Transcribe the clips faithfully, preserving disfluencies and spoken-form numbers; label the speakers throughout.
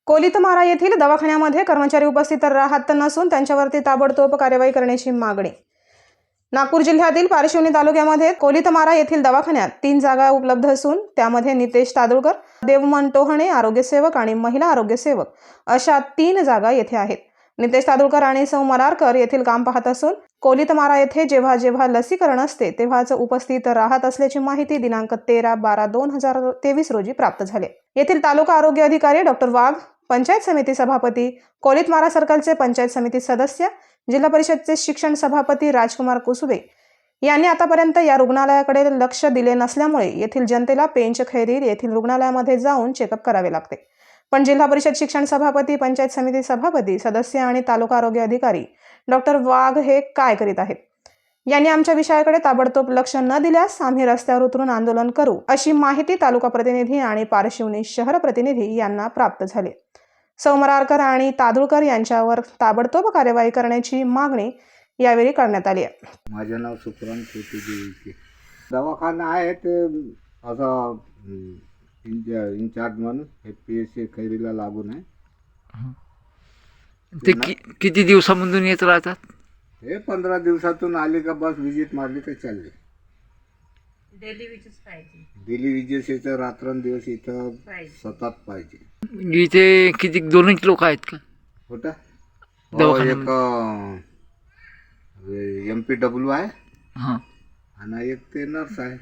Speaker 1: कोलितमारा येथील दवाखान्यामध्ये कर्मचारी उपस्थित राहत नसून त्यांच्यावरती ताबडतोब कार्यवाही करण्याची मागणी। नागपूर जिल्ह्यातील पारशिवनी तालुक्यामध्ये कोलितमारा येथील दवाखान्यात तीन जागा उपलब्ध असून त्यामध्ये नितेश तादुळकर, देवमन टोहणे आरोग्यसेवक आणि महिला आरोग्यसेवक अशा तीन जागा येथे आहेत। नितेश तादुळकर आणि सौ मरारकर येथील काम पाहत असून कोलितमारा येथे जेव्हा जेव्हा लसीकरण असते तेव्हाच उपस्थित राहत असल्याची माहिती दिनांक तेरा बारा दोन हजार तेवीस रोजी प्राप्त झाली। येथील तालुका आरोग्य अधिकारी डॉक्टर वाघ, पंचायत समिती सभापती, कोलितमारा सर्कलचे पंचायत समिती सदस्य, जिल्हा परिषदचे शिक्षण सभापती राजकुमार कुसुबे यांनी आतापर्यंत या रुग्णालयाकडे लक्ष दिले नसल्यामुळे येथील जनतेला पेंचखैरी येथील रुग्णालयामध्ये जाऊन चेकअप करावे लागते। पण जिल्हा परिषद शिक्षण सभापती, पंचायत समिती सभापती, सदस्य आणि तालुका आरोग्य अधिकारी डॉक्टर वाघ हे काय करीत आहेत? यांनी आमच्या विषयाकडे ताबडतोब लक्ष न दिल्यास आम्ही रस्त्यावर उतरून आंदोलन करू अशी माहिती तालुका प्रतिनिधी आणि पारशिवनी शहर प्रतिनिधी यांना प्राप्त झाली। सौ मरारकर आणि तादुळकर यांच्यावर ताबडतोब कार्यवाही करण्याची मागणी यावेळी करण्यात आली आहे।
Speaker 2: माझे नाव सुखराम छोटी दवाखाना आहे ते असा इंचार्ज म्हणून हे पी एस सी खैरीला लागून आहे।
Speaker 3: ते कि, किती दिवसामधून येत राहतात?
Speaker 2: हे पंधरा दिवसातून आली का बस विजिट मारली तर चालली।
Speaker 4: डेली विजिट पाहिजे,
Speaker 2: डेली विजिट इथं रात्रंदिवस इथं सतत पाहिजे।
Speaker 3: इथे किती दोनच लोक आहेत का?
Speaker 2: होता
Speaker 3: दवाखान्यामध्ये?
Speaker 2: एक एम पी डब्ल्यू आहे
Speaker 3: हां,
Speaker 2: आणि एक ते नर्स आहे।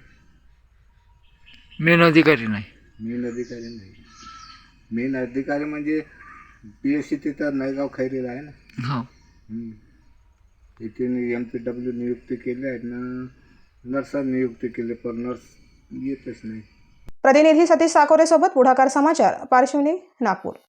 Speaker 3: मेन अधिकारी नाही?
Speaker 2: मेन अधिकारी नाही। मेन अधिकारी म्हणजे पी एस सी तिथं नायगाव खैरीला आहे ना।
Speaker 3: हो,
Speaker 2: इथे एम पी डब्ल्यू नियुक्ती केली आहे ना, नर्सा नियुक्ती केली पण नर्स येतच नाही।
Speaker 1: प्रतिनिधी सतीश साकोरे सोबत पुढाकार समाचार, पारशिवनी, नागपूर।